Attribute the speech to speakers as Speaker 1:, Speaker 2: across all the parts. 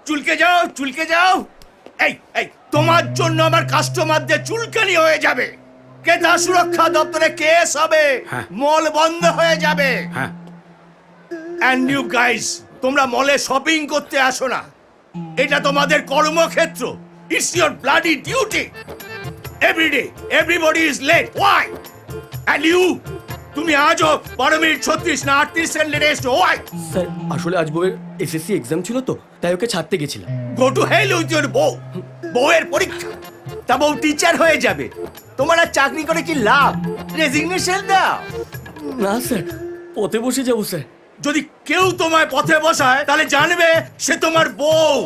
Speaker 1: চুলকে যাও, চুলকে যাও। এই এই তোমার জন্য আমার কাস্টমারদের চুলকানি হয়ে যাবে। ক্রেতা সুরক্ষা দপ্তরে কেস হবে,
Speaker 2: হ্যাঁ।
Speaker 1: মল বন্ধ হয়ে যাবে।
Speaker 2: হ্যাঁ,
Speaker 1: অ্যান্ড ইউ গাইস, তোমরা মলে শপিং করতে আসো না, এটা তোমাদের কর্মক্ষেত্র। It's your bloody duty. Everyday everybody is late, why? And you, তুমি আজও 12 মিনিট 36 না 38 সেকেন্ড লেটে এসছো, ওয়াই?
Speaker 3: স্যার আসলে আজ বউয়ের এসএসসি এক্সাম ছিল তো, তাই ওকে ছাড়তে গেছিলাম।
Speaker 1: Go to hell with your বউ। বউয়ের পরীক্ষা, তা বউ টিচার হয়ে যাবে। তোমার আর চাকরি করে কি লাভ? রেজিগনেশন দাও।
Speaker 3: না স্যার, পথে বসে যাবো স্যার।
Speaker 1: যদি কেউ তোমায় পথে বসায় তাহলে জানবে সে তোমার বউ।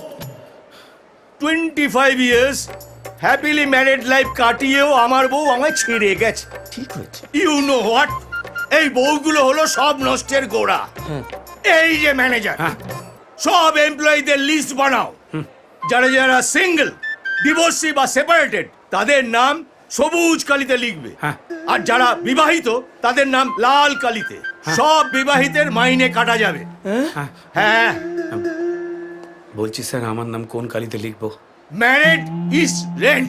Speaker 1: 25 ইয়ার্স হ্যাপিলি ম্যারিড লাইফ কাটিয়েও আমার বউ আমায় ছেড়ে গেছে।
Speaker 3: ঠিক হয়েছে।
Speaker 1: You know what? এই বউগুলো হলো সব নষ্টের গোড়া। এই যে ম্যানেজার, সব এমপ্লয়ীদের লিস্ট বানাও। যারা যারা সিঙ্গেল, ডিভোর্সি বা সেপারেটেড, তাদের নাম সবুজ কালিতে লিখবে।
Speaker 2: হ্যাঁ।
Speaker 1: আর যারা বিবাহিত তাদের নাম লাল কালিতে। সব বিবাহিতের মাইনে কাটা যাবে। হ্যাঁ,
Speaker 2: বলছি স্যার আমার নাম কোন কালিতে লিখবো?
Speaker 1: Married is rent.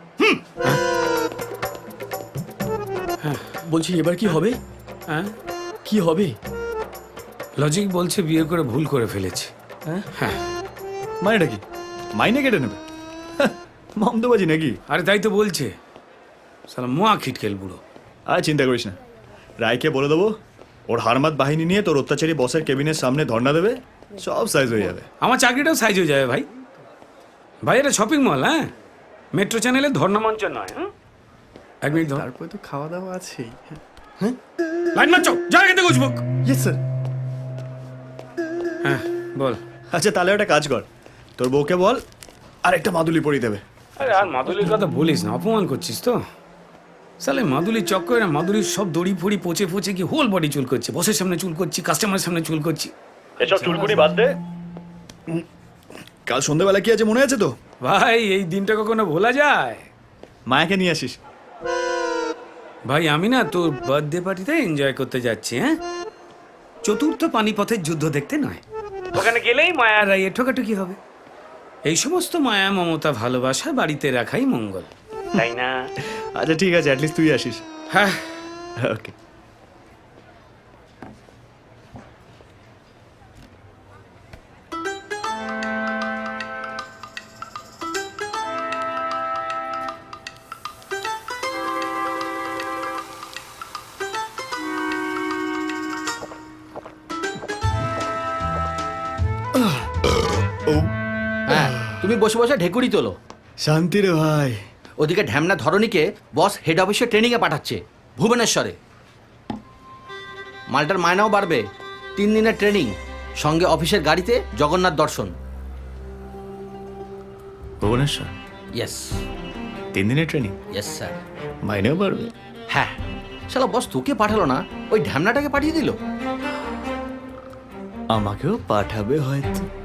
Speaker 3: বলছি এবার কি হবে?
Speaker 2: হ্যাঁ,
Speaker 3: কি হবে?
Speaker 2: লজিক বলছে বিয়ে করে ভুল করে ফেলেছে। হ্যাঁ,
Speaker 4: মানেটা কি? মাইনে কেটে নেবে? মমদবাজি নাকি?
Speaker 2: আরে তাই তো বলছে, সালা মোয়া খিটকেল বুড়ো।
Speaker 4: আর চিন্তা করিস না, রায়কে বলে দেবো ওর হারমাত বাহিনী নিয়ে তোর অত্যাচারী বসের কেবিনের সামনে ধর্ণা দেবে, সব সাইজ হয়ে যাবে।
Speaker 2: আমার চাকরিটাও সাইজ হয়ে যাবে ভাই। ভাই এটা শপিং মল, হ্যাঁ, মেট্রো চ্যানেলে ধর্ণা মঞ্চ নয়। হ্যাঁ, এক মিনিট ধর।
Speaker 4: তারপরে তো খাওয়া দাওয়া আছেই।
Speaker 2: লাইন মারছো, জায়গা খেতে গুছবো।
Speaker 4: Yes sir.
Speaker 2: হ্যাঁ বল।
Speaker 4: আচ্ছা তাহলে একটা কাজ কর, তোর বউকে বল আর একটা মাদুলি পরিয়ে দেবে।
Speaker 2: আরে আর মাদুলির কথা বলিস না, অপমান করছিস তো। সালে মাদুলির চক্করে না, মাদুলির সব দড়ি ফড়ি পচে পচে কি হোল বডি চুল করছে। বসের সামনে চুল করছি, কাস্টমারের সামনে চুল করছি।
Speaker 4: এসব চুলকুনি বাদ দে। কাল সন্ধ্যেবেলা কি আছে মনে আছে তো?
Speaker 2: ভাই এই দিনটা কখনো ভোলা যায়?
Speaker 4: মায়াকে নিয়ে আসিস।
Speaker 2: ভাই আমি না তোর বার্থডে পার্টিতে এনজয় করতে যাচ্ছি। হ্যাঁ, চতুর্থ পানিপথের যুদ্ধ দেখতে নয়। ওখানে গেলেই মায়ার রাইয়ে ঠোকাঠুকি হবে। এই সমস্ত মায়া মমতা ভালোবাসা বাড়িতে রাখাই মঙ্গল, তাই না?
Speaker 4: আচ্ছা ঠিক আছে, অ্যাটলিস্ট তুই আসিস।
Speaker 2: হ্যাঁ,
Speaker 4: ওকে।
Speaker 5: হ্যাঁ, তুমি বসে বসে ঢেকুরি তোলো।
Speaker 4: শান্তি রে ভাই।
Speaker 5: ওদিকে ঢ্যামনা ধরণীকে বস হেড অফিসে ট্রেনিংয়ে পাঠাচ্ছে ভুবনেশ্বরে। মালটার মায়নাও বাড়বে। 3 দিনের ট্রেনিং, সঙ্গে অফিসের গাড়িতে জগন্নাথ দর্শন।
Speaker 4: ভুবনেশ্বর
Speaker 5: ইয়েস
Speaker 4: 3 দিনের ট্রেনিং,
Speaker 5: ইয়েস স্যার।
Speaker 4: মাইনেও বাড়বে।
Speaker 5: হ্যাঁ, শালা বস তোকে পাঠালো না, ওই ঢ্যামনাটাকে পাঠিয়ে দিল।
Speaker 4: আমাকেও পাঠাবে হয়তো।